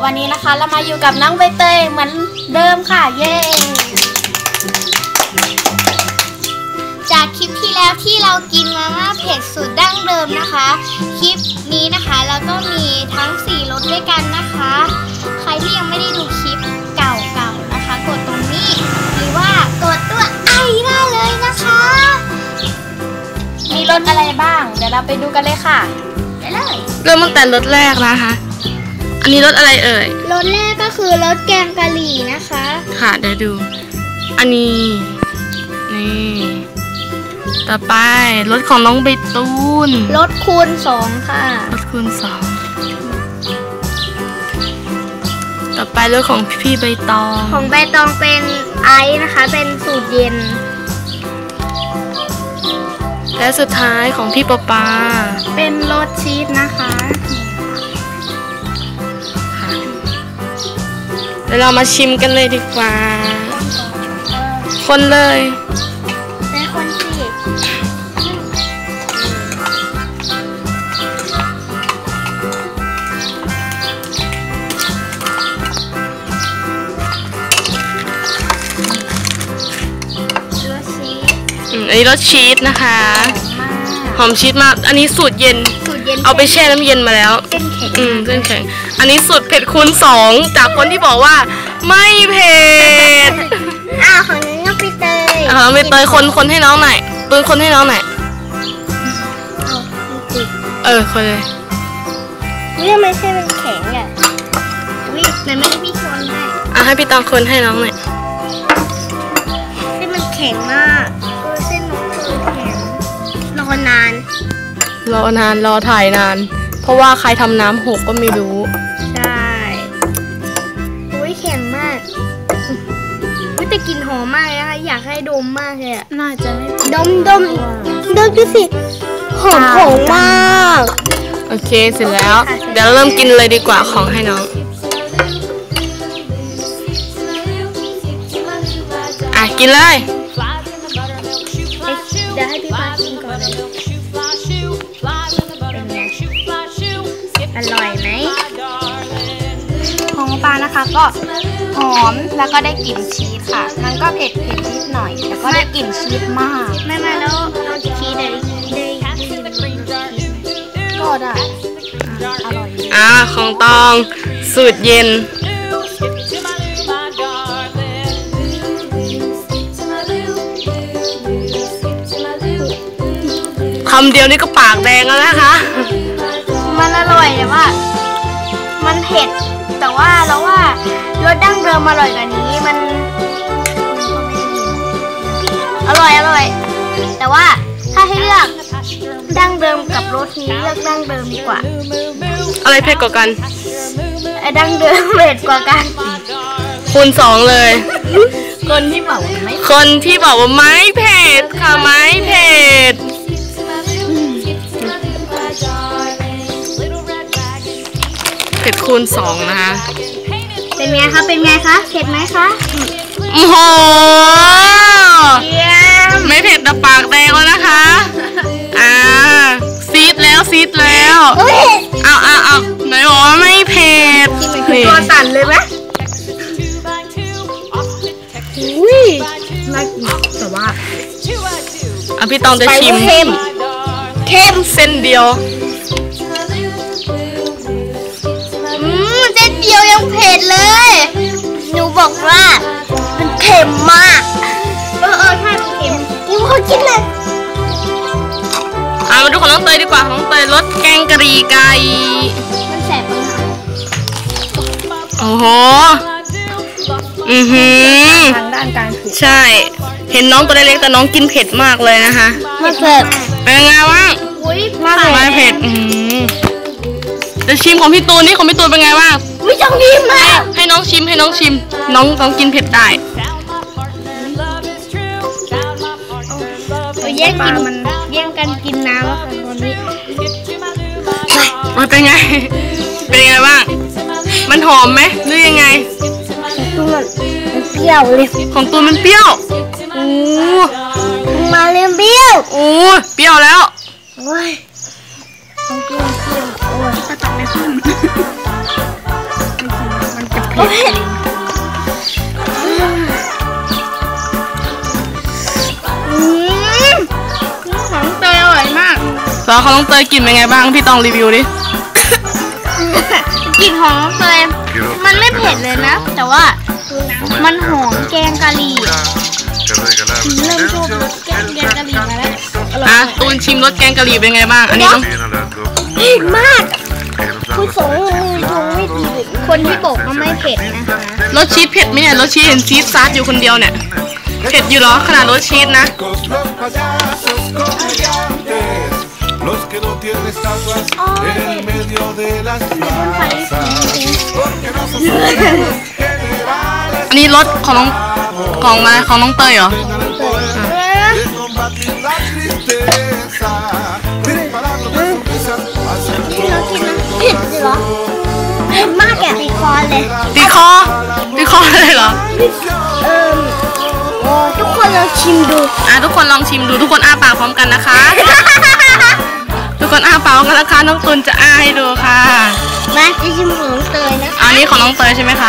วันนี้นะคะเรามาอยู่กับน้องใบเตยเหมือนเดิมค่ะเย้จากคลิปที่แล้วที่เรากินมาม่าเผ็ดสูตรดั้งเดิมนะคะคลิปนี้นะคะเราก็มีทั้ง4รสด้วยกันนะคะใครที่ยังไม่ได้ดูคลิปเก่าๆนะคะกดตรงนี้หรือว่ากดตัวไอได้เลยนะคะมีรสอะไรบ้างเดี๋ยวเราไปดูกันเลยค่ะไปเลยเริ่มตั้งแต่รสแรกนะคะอันนี้รสอะไรเอ่ยรสแรกก็คือรสแกงกะหรี่นะคะค่ะเดี๋ยวดูอันนี้นี่ต่อไปรสของน้องใบตูนรสคูณ2ค่ะรสคูณ2ต่อไปรสของพี่ใบตองของใบตองเป็นไอซ์นะคะเป็นสูตรเย็นและสุดท้ายของพี่ปอปาเป็นรสชีสนะคะเดี๋ยวเรามาชิมกันเลยดีกว่าคนเลยเป็นคนสิอันนี้รสชีสนะคะหอมชีสมากอันนี้สูตรเย็นเอาไปแช่น้ำเย็นมาแล้วเส้นแข็งอันนี้สูตรเผ็ดคูณ2จากคนที่บอกว่าไม่เผ็ดของน้องใบเตยใบเตยคนให้น้องหน่อยปืนคนให้น้องหน่อยคนเลยนี่ไม่ใช่เป็นแข็งอ่ะไหนไม่ได้พี่ชนให้ให้พี่ตองคนให้น้องหน่อยที่มันแข็งมากเส้นน้องคือแข็งรอนานรอถ่ายนานเพราะว่าใครทำน้ำหกก็ไม่รู้ใช่แข็งมากแต่กลิ่นหอมมากนะคะอยากให้ดมมากเลยอ่ะน่าจะไม่ดมดูสิหอมมากโอเคเสร็จแล้วเดี๋ยวเริ่มกินเลยดีกว่าของให้น้องกินเลยเดี๋ยวให้พี่ปาชิมก่อนเป็นไงอร่อยไหมของปลานะคะก็หอมแล้วก็ได้กลิ่นชีสค่ะมันก็เผ็ดนิดหน่อยแต่ก็ได้กลิ่นชีสมากไม่มาแล้วน้องชีสได้ก็ได้อร่อยของตองสูตรเย็นคำเดียวนี่ก็ปากแดงแล้วนะคะมันอร่อยแต่ว่ามันเผ็ดแต่ว่าเราว่ารสดั้งเดิมอร่อยกว่านี้มันอร่อยแต่ว่าถ้าให้เลือกดั้งเดิมกับรสนี้เลือกดั้งเดิมดีกว่าอะไรเผ็ดกว่ากันดั้งเดิมเผ็ดกว่ากันคูณ2เลยคนที่บอกว่าไม่เผ็ดค่ะไม่เผ็ดเผ็ดคูณ2นะคะเป็นไงคะเผ็ดไหมคะโอ้โหไม่เผ็ดแต่ปากแดงแล้วนะคะซีดแล้วเอาไหนบอกว่าไม่เผ็ดตัวสั่นเลยไหมน่ากินแต่ว่าพี่ตองจะชิมเค็มเส้นเดียวเส้นเดียวยังเผ็ดเลยหนูบอกว่ามันเค็มมากใช่เค็มกินเขากินเลยมาดูของน้องเตยดีกว่าของน้องเตยรสแกงกะหรี่ไก่มันแสบมากโอ้โหทางด้านการผิดใช่เห็นน้องตัวเล็กๆแต่น้องกินเผ็ดมากเลยนะคะไม่เผ็ดเป็นไงวะไม่เผ็ดจะชิมของพี่ตูนนี่ของพี่ตูนเป็นไงบ้างไม่ต้องชิมนะให้น้องชิมน้องกินเผ็ดได้แย่งกันกินน้ำแล้วค่ะวันนี้มันเป็นไงบ้างมันหอมไหมหรือยังไงมันเปรี้ยวเลยของตูนมันเปรี้ยวมาเรียนเปรี้ยวเปรี้ยวแล้วต้องเปรี้ยวโอ้ยตัดไม่ขึ้นเผ็ดของเตยอร่อยมากแล้วของน้องเตยกลิ่นเป็นไงบ้างพี่ต้องรีวิวดิกลิ่นของน้องเตยมันไม่เผ็ดเลยนะ แต่ว่ามันหอมแกงกะหรี่เริ่มชอบรสแกงกะหรี่มาแล้วอ่ะตูนชิมรสแกงกะหรี่เป็นไงบ้างอันนี้ต้องเผ็ดมากคุณสงไม่ดีคนที่บอกว่าไม่เผ็ดนะคะรสชีสเผ็ดไหมเนี่ยรสชีสเห็นชีสซัดอยู่คนเดียวเนี่ยเผ็ดอยู่เหรอขนาดรสชีสนะ Los que no tienen estatuas en el medio de las plazas, porque no son superhéroes generales. อันนี้รสของน้องของน้องเตยเหรอ De combatir la tristeza, disparar las sonrisas, hacer todo el เผ็ดเหรอเผ็ดมากแกติดคอเลยตีคอเลยเหรอทุกคนลองชิมดูทุกคนลองชิมดูทุกคนอ้าปากพร้อมกันนะคะ ทุกคนอ้าปากพร้อมกันนะคะน้องตุนจะอ้าให้ดูค่ะมาจะชิมของน้องเตยนะอันนี้ของน้องเตยใช่ไหมคะ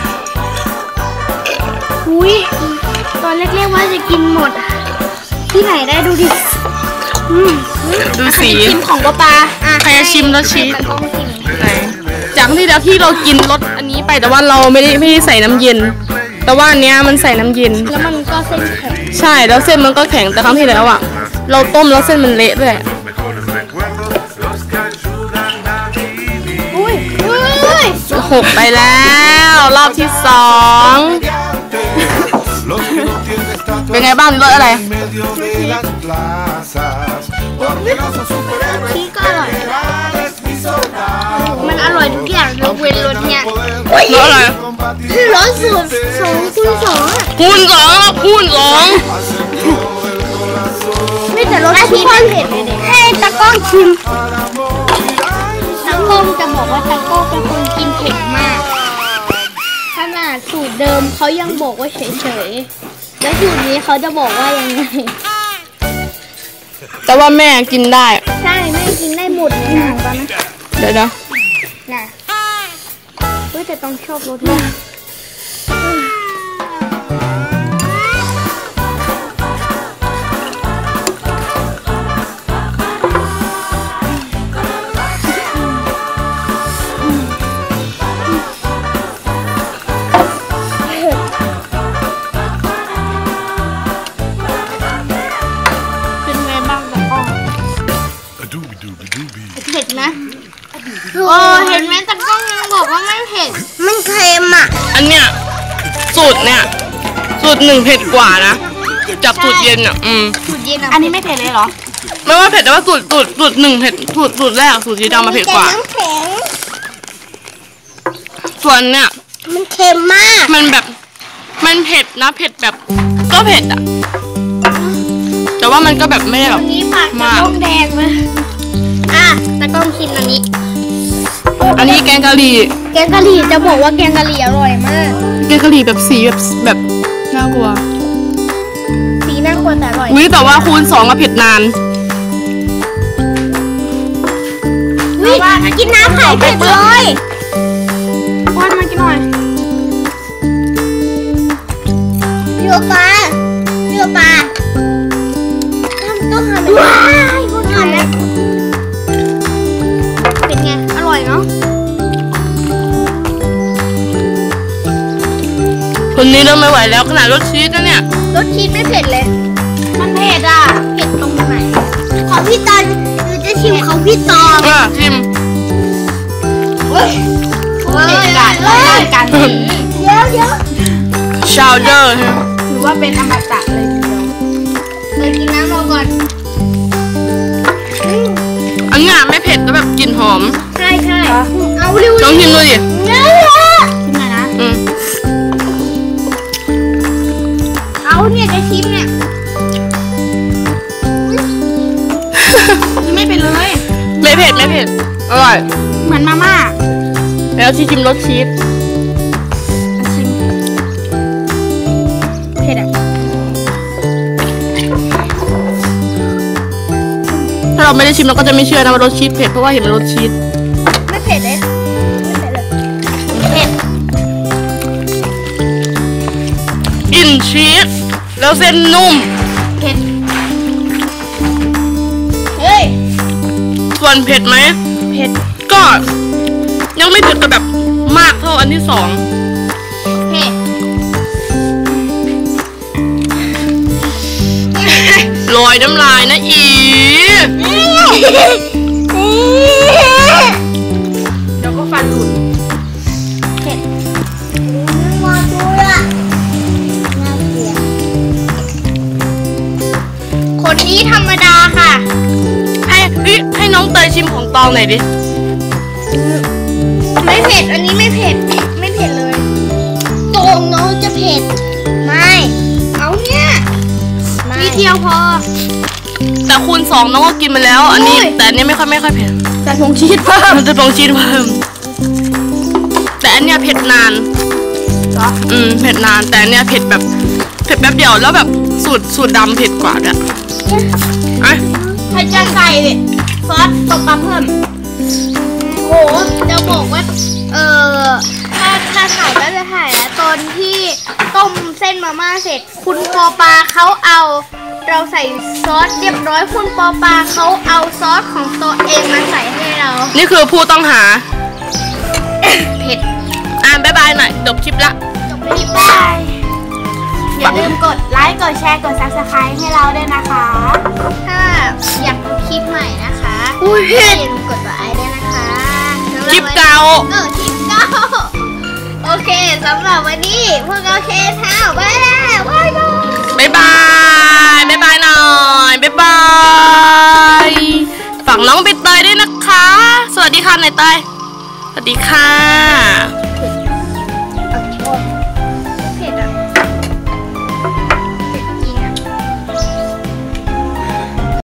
อุ้ยตอนแรกๆว่าจะกินหมด ที่ไหนได้ดูดิดูสีชิมของปลาใครจะชิมรสชีสต้องชิมไหนจากที่แล้วที่เรากินรสอันนี้ไปแต่ว่าเราไม่ได้ใส่น้ำเย็น แต่ว่าอันเนี้ยมันใส่น้ำเย็นแล้วมันก็เส้นแข็งใช่แล้วเส้นมันก็แข็งแต่ครั้งที่แล้วอ่ะเราต้มแล้วเส้นมันเละด้วย mejores recuerdos, los que ayudan a vivir. อุ้ยหกไปแล้วรอบที่2 Los que no tienen estatuas เป็นไงบ้างรสอะไร en medio de las plazas, porque no son superhéroes นี่ก็อร่อย generales ni soldados. มันอร่อยทุกอย่างยกเว้นรสเนี่ยรสอะไรคือรสสูตร2 คูณ 2 คูณ2ครับคูณ2 ไม่แต่รสชีสไม่เผ็ดเลยเนี่ยให้ตากล้องชิมตากล้องจะบอกว่าตากล้องเป็นคนกินเผ็ดมากขนาดสูตรเดิมเขายังบอกว่าเฉยๆแล้วสูตรนี้เขาจะบอกว่ายังไงแต่ว่าแม่กินได้ใช่แม่กินได้หมดเลยนะตอนนั้นเดี๋ยวนะน่ะเฮ้ยแต่ต้องชอบรสมากเป็นไงบ้างตากล้อง A doobie doobie doobie. เผ็ดนะโอ้เห็นไหมตากล้องยังบอกว่าไม่เผ็ด มันเค็มอ่ะอันเนี้ยสูตรเนี่ยสูตร1เผ็ดกว่านะจากสูตรเย็นอ่ะสูตรเย็นอ่ะอันนี้ไม่เผ็ดเลยเหรอไม่ว่าเผ็ดแต่ว่าสูตร1เผ็ดสูตรแรกสูตรที่ดำมาเผ็ดกว่าน้ำแข็งส่วนเนี่ยมันเค็มมากมันแบบมันเผ็ดนะเผ็ดแบบก็เผ็ดอ่ะแต่ว่ามันก็แบบไม่ได้แบบวันนี้ปากตากล้องแดงเลยตากล้องชิมอันนี้อันนี้แกงกะหรี่แกงกะหรี่จะบอกว่าแกงกะหรี่อร่อยมากแกงกะหรี่แบบสีแบบน่ากลัวสีน่าควรแต่อร่อยวิแต่ว่าคูณ2อะเผ็ดนานวิกินน้ำไข่เผ็ดเลยป้อนมากินหน่อยเรือปลาต้องทำแบบว้ายพูดทำแล้วเป็นไงอร่อยเนาะคนนี้เริ่มไม่ไหวแล้วขนาดรสชีสนะเนี่ยรสชีสไม่เผ็ดเลยมันเผ็ดอ่ะเผ็ดตรงไหนของพี่ตอนหนูจะชิมของพี่ตองชิมเฮ้ยเผ็ดจัดแล้วได้กันเดี๋ยวชาวเดอร์ถือว่าเป็นอมตะเลยทีเดียวเลยกินน้ำรอก่อนอันเนี้ยไม่เผ็ดแล้วแบบกลิ่นหอมใช่เอาเร็วลองชิมดูดิกินหน่อยนะเอาเนี่ยจะชิมเนี่ยไม่เป็นเลยไม่เผ็ดอร่อยเหมือนมาม่าแล้วที่ชิมรสชีสชิมเผ็ดอ่ะถ้าเราไม่ได้ชิมเราก็จะไม่เชื่อนะว่ารสชีสเผ็ดเพราะว่าเห็นมันรสชีสไม่เผ็ดเลยเผ็ดชีสแล้วเส้นนุ่มเผ็ดเฮ้ยส่วนเผ็ดไหมเผ็ดก็ยังไม่ถึงกับแบบมากเท่าอันที่สองเผ็ดลอยน้ำลายนะอีเดี๋ยวก็ฟันหลุดมาดูละน่าเกลียดคนนี้ธรรมดาค่ะให้น้องเตยชิมของตองหน่อยดิไม่เผ็ด อันนี้ไม่เผ็ด ไม่เผ็ดเลยตรงน้องจะเผ็ด ไม่ เอาเนี่ยนิดเดียวพอแต่คูณ 2น้องก็กินมาแล้ว อันนี้อุ้ยแต่อันนี้ไม่ค่อยเผ็ดแต่ผงชีสเพิ่มมันจะลงชีสเพิ่มแต่อันเนี้ยเผ็ดนานเหรอเผ็ดนานแต่อันเนี้ยเผ็ดแบบเผ็ดแป๊บเดียวแล้วแบบสูตรดำเผ็ดกว่าด้วยอ่ะให้จานใส่ดิซอสตบปลาเพิ่มโหจะบอกว่า ถ้าถ่ายก็จะถ่ายแล้วตอนที่ต้มเส้นมาม่าเสร็จ คุณปอปาเขาเอาเราใส่ซอสเรียบร้อย คุณปอปาเขาเอาซอสของตัวเองมาใส่ให้เรานี่คือผู้ต้องหาเผ็ดบ๊ายบายหน่อยจบคลิปละจบไปที่บายอย่าลืมกดไลค์ กดแชร์ กด Subscribe ให้เราด้วยนะคะถ้าอยากดูคลิปใหม่นะคะอุ้ยอย่าลืมกดไลค์ด้วยนะคะคลิปเก่าคลิปเก่าโอเคสำหรับวันนี้พวกเราเคสท้าไปแล้วบ๊ายบายบ๊ายบายหน่อยบ๊ายบาย ฝากน้องใบเตยด้วยนะคะ สวัสดีค่ะนายเตยสวัสดีค่ะ